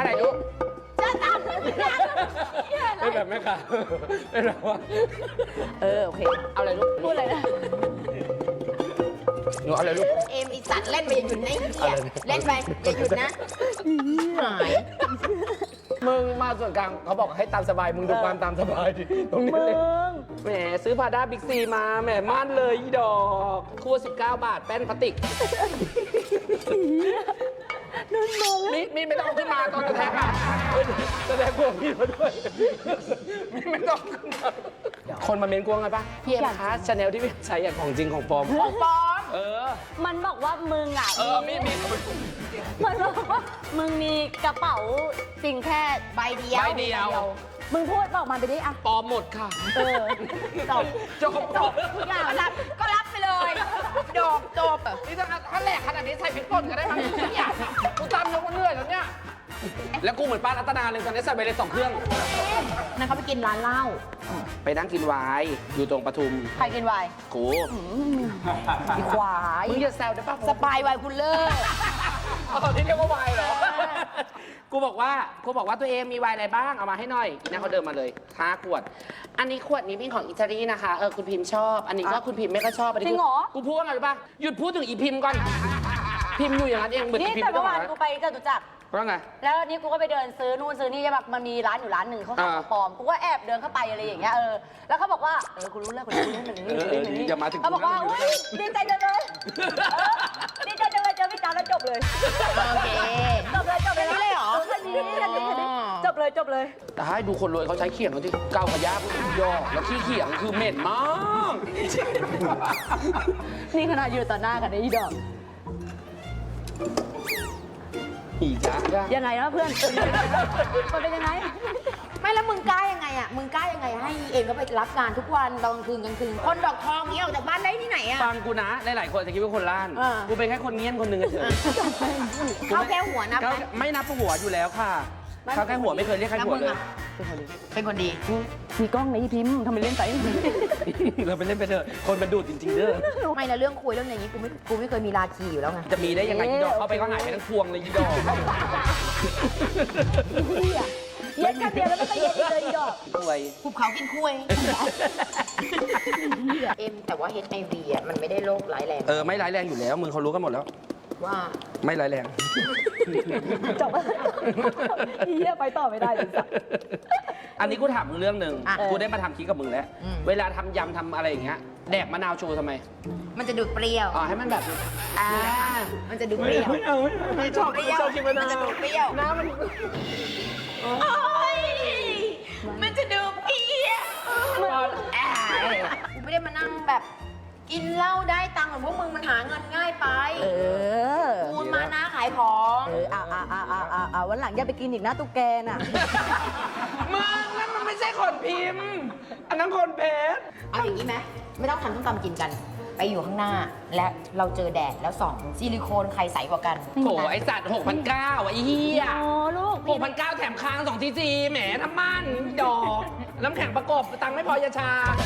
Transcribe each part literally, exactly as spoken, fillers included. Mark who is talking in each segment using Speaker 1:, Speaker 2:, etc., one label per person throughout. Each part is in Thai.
Speaker 1: ไหนลูก
Speaker 2: จะตาม
Speaker 1: ไม่แบบแม่ค่ะไม่แบบว่า
Speaker 2: เออโอเค
Speaker 1: เอาอะไรลูก
Speaker 2: พูดเลยนะ
Speaker 1: หนูเอาอะไรลูก
Speaker 2: เอ็มอีสัตว์เล่นไปอย่าหยุดนะไอ้เหี้ยเล่นไปอย่าหยุดนะหาย
Speaker 1: มึงมาส่วนกลางเขาบอกให้ตามสบายมึงดูความตามสบายดิตรงนี้เลยแหมซื้อพาด้าบิ๊กซีมาแหมม่านเลยอีดอกคู่สิบเก้าบาทแป้นพลาสติกมีดมีดไม่ต้องเอาขึ้นมาตอนกระแทกอ่ะเฮ้ยแสดงกลัวมีดมาด้วยมีดไม่ต้องขึ้นมาคนมาเมนกลัวไงปะพี่เอ็มคะชาแนลที่พี่ใช้อย่างของจริงของปลอม
Speaker 2: ของปลอม
Speaker 1: เออ
Speaker 3: มันบอกว่ามึงอ่ะ
Speaker 1: เออมีดมีด
Speaker 3: มันบอกว่ามึงมีกระเป๋าจริงแค่
Speaker 2: ใบเดียว
Speaker 1: ใบเดียว
Speaker 3: มึงพูดบอกมาไปดิอ่ะ
Speaker 1: ปลอมหมดค่ะ
Speaker 3: เออจบ
Speaker 1: จบจบ
Speaker 2: ทุกอย่างรับก็รับไปเลยจบจบ
Speaker 1: นี่ถ้าถ้าแหลกขนาดนี้ใส่พริกป่นก็ได้มั้งเนี่ยกูตามยกมันเหนื่อยแล้วเนี่ย แล้วกูเหมือนป้ารัตนาเลยตอนนี้ใส่ไปเลยสองเครื่อง
Speaker 2: นั่นเขาไปกินร้านเหล้า
Speaker 1: ไปนั่งกินไวน์อยู่ตรงปทุม
Speaker 2: ใครกินไวน์
Speaker 1: กู
Speaker 2: อีควาย
Speaker 1: มึงอย่าแซวได้ป่ะ
Speaker 2: สปายไวน์คุณเลิก
Speaker 1: อ๋อที่เรียกว่าไวน์เหรอ กูบอกว่า กูบอกว่าตัวเองมีไวน์อะไรบ้าง เอามาให้หน่อยอีน่าเขาเดินมาเลยห้าขวด อันนี้ขวดนี้เป็นของอิตาลีนะคะ เออคุณพิมพ์ชอบ อันนี้ก็คุณพิมพ์ไม่ก็ชอบอันนี้
Speaker 3: จริงเหรอ
Speaker 1: กูพูดว่าไงรู้ป่ะ หยุดพูดถึงอีพิมพ์ก่อน พิมพ์อยู่อย่างนั้นเองเหมือน
Speaker 3: นี่
Speaker 1: อีพิม
Speaker 3: แต่
Speaker 1: พ์ไม่ต้
Speaker 3: เมื่
Speaker 1: อง
Speaker 3: อวาน
Speaker 1: หา
Speaker 3: กูไปจตุจักร
Speaker 1: ว่าไง
Speaker 3: แล้วนี่กูก็ไปเดินซื้อนู่นซื้อนี่ใช่ปะมันมีร้านอยู่ร้านหนึ่งเขาขายของปลอมกูก็แอบเดินเข้าไปอะไรอย่างเงี้ยเออแล้วเขาบอกว่าเออกูรู้แล้วกูรู้แล้วหนึ่งนี่หนึ่งนี่หนึ่งนี่
Speaker 1: อย่ามาถึง
Speaker 3: เขาบอกว่า
Speaker 1: กูนะ
Speaker 3: อุ้ยดีใจจังเลยเออดีใจจังเลยเจอพี่จ๋าแล้วจบเลย
Speaker 2: โอเค
Speaker 3: จบเลยจบเลย
Speaker 2: แค่นี้เลยเหรอ
Speaker 3: แค่นี้แค่นี้แค่นี้จบเลยจบเลย
Speaker 1: แต่ให้ดูคนรวยเขาใช้เขียงเขาที่เก้ากระยาพวกยอกแล้วขี้เขียงคือเหม็นมาก
Speaker 3: นี่ขนาดอยู่ต่อหน้ากันไอ้อีดอก
Speaker 1: อีจ้า
Speaker 3: ยังไงนะเพื่อนมันเป็นยังไง
Speaker 2: ไม่แล้วมึงกล้ายังไงอ่ะ มึงกล้ายังไงให้เองก็ไปรับงานทุกวันตอนกลางคืนกลางคืน คนดอกทองนี้ออกจากบ้านได้ที่ไหนอ่ะ
Speaker 1: ฟังกูนะ หลายๆคนจะคิดว่าคนล้าน
Speaker 3: อ่า
Speaker 1: กูเป็นแค่คนเงี้ยนคนหนึ่งเฉย
Speaker 2: เขาแค่หัวนับ
Speaker 1: เขา
Speaker 2: ไหม
Speaker 1: ไม่นับหัวอยู่แล้วค่ะ เขาแค่หัวไม่เคยเรียกใคร
Speaker 2: แล้ว
Speaker 1: หัว
Speaker 2: มึง
Speaker 1: เลย
Speaker 2: อ่ะเป็นคนดี
Speaker 3: มีกล้องในพิมพ์ทำไมเล่นไป
Speaker 1: เราไปเล่นไปเถอะคนมันดูดจริงๆเด้อ
Speaker 2: ไม่นะเรื่องคุยเรื่องอย่างนี้กูไม่กูไม่เคยมีราคีอยู่แล้วไง
Speaker 1: จะมีได้ยังไงยีดอกเข้าไปก็หายไปทั้งพวงเลยยีดอก
Speaker 3: เย็นกันเดียวแล้วไม่ก็เย็นอีกเลยอีดอก
Speaker 1: รวย
Speaker 2: ภูเขากินคุยเอ็มแต่ว่า เอช ไอ วี อ่ะมันไม่ได้โรคร้ายแรง
Speaker 1: เออไม่ร้ายแรงอยู่แล้วมึงเขารู้กันหมดแล้ว
Speaker 2: ว่า
Speaker 1: ไม่ร้ายแรง
Speaker 3: จบเฮียไปต่อไม่ได้จริงสัก
Speaker 1: อันนี้กูถามมึงเรื่องหนึ่ง
Speaker 2: อ่ะ
Speaker 1: กูได้มาทำคลิปกับมึงแล้ว
Speaker 2: อืม
Speaker 1: เวลาทำยำทำอะไรอย่างเงี้ยแดกมะนาวโชว์ทำไม
Speaker 2: มันจะดูดเปรี้ยว
Speaker 1: อ๋อให้มันแบบอ่า
Speaker 2: มันจะดูดเปรี้ยว
Speaker 1: ไม่เอาไม่เอาไม่ชอบ
Speaker 2: เปรี้ยว
Speaker 1: ชอบกินมะนาว
Speaker 2: มันจะดูดเปรี้ยว
Speaker 1: น้ำมัน
Speaker 2: โอ้ยมันจะดูดเปรี้ยวอ่ากูไม่ได้มานั่งแบบกินเหล้าได้ตังค์เหมือนพวกมึงมันหาเงินง่ายไป
Speaker 3: เออ
Speaker 2: กูมานะขายของ
Speaker 3: เอออ่าอ่าอ่าอ่าอ่าวันหลังอย่าไปกินอีกนะตุ๊กแกน่ะ
Speaker 1: มึงนั่นมันไม่ใช่คนพิมพ์ อันนั้นคนเพชร
Speaker 2: เอาอย่างนี้ไหมไม่ต้องทำต้มตำกินกัน ไปอยู่ข้างหน้า และเราเจอแดดแล้วส่องซิลิโคนใครใสกว่ากัน
Speaker 1: โถไอสัตว์หกพันเก้าไอ้เหี้ย
Speaker 3: โอ้ลูก
Speaker 1: หกพันเก้าแถมค้างสองทีซีแหมน้ำมันดอก น้ำแข็งประกบตังค์ไม่พอยาชา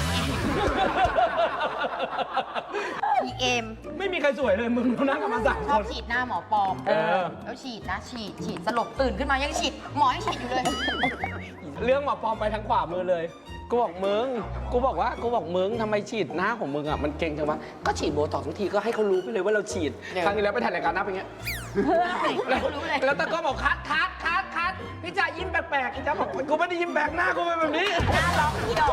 Speaker 2: พีเอ็ม
Speaker 1: ไม่มีใครสวยเลยมึงเรานั่งกันมาสาม
Speaker 2: ช
Speaker 1: ค
Speaker 2: อบ
Speaker 1: น
Speaker 2: ฉีดหน้าหมอปลอม
Speaker 1: เออ
Speaker 2: แล้วฉีดนะฉีดฉีดสลบตื่นขึ้นมายังฉีดหมอยังฉีดอยู่เลย
Speaker 1: เรื่องหมอปลอมไปทางขวามือเลย กูบอกมึง กูบอกว่า กูบอกมึงทำไมฉีดหน้าของมึงอ่ะ มันเก่งจังวะ ก็ฉีดโบท็อกซ์ทุกทีก็ให้เขารู้ไปเลยว่าเราฉีด
Speaker 2: เนี่ย
Speaker 1: ครั้งที่แล้วไปถ่ายรายการหน้าเป็นอย่างเงี้ย แล้ว
Speaker 2: รู้เลย
Speaker 1: แล้วตะก็บอกคัดคัดคัดคัดพี่จ่ายิ้มแปลกๆพี่จ่าบอกกูไม่ได้ยิ้มแปลกหน้ากูเป็นแบบนี้
Speaker 2: หน้าล็อกพี่ด